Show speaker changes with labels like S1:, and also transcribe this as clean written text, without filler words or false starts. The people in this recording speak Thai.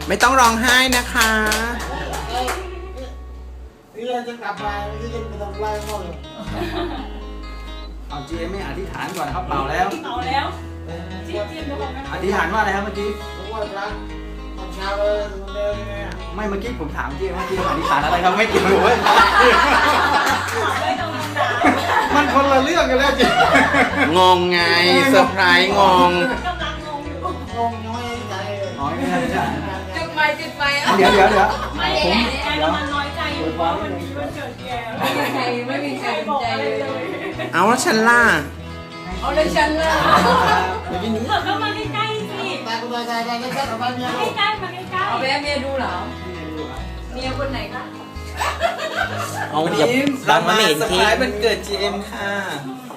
S1: ไม่ต้องร้องไห้นะคะ
S2: นี่เราจะกลับมาที่จะไปทำไรพ่อเลย
S3: เอาเจไม่อธิษฐานก่อนนะครับเปล่าแล้ว
S4: เอาแล้วจิ้มทุกคนนะ
S3: อธิษฐานว่าอะไรครับเมื่อกี้
S2: ผมว่ารักตอนเช้าเลยมันเดินยังไงอ่ะ
S3: ไม่เมื่อกี้ผมถามเจเมื่อกี้อธิษฐานอะไรครับไม่เกี่ยวเลย
S4: ไม่ต้องด่า
S3: มันคนละเรื่องกันแล้วเจ
S1: งงไงเซอร์ไพรส์งง
S4: กำลังงงอยู่
S2: งงยังไม่ใจเลย
S3: อ๋อไม่ใช่ไม่ใช่
S5: จุดไฟจุดไฟ
S3: เดี๋ยว
S4: ไม่แกกำลังน้อยใจอยู่เพราะวันนี้วันเกิดแก
S5: ไม่มีใคร
S4: บ
S5: ส
S4: อน ก
S5: ใจ
S4: อะไร
S5: เลย
S4: เลย
S1: เอาแล้วฉันล่ะ
S5: เอาเลยฉันเลย
S3: เมื่อกี้นี้
S4: เธอก็มาใกล้ๆสิ
S2: ตายกูตายแล้วออกมาเมีย
S4: ใกล้ๆมาใกล้
S5: เอาแม่เมียดูเหรอเมียคนไหนคะ
S1: เอาเดี๋ยวเรามาเห็นเค้กมันเกิด GM ค่ะ
S4: ๆ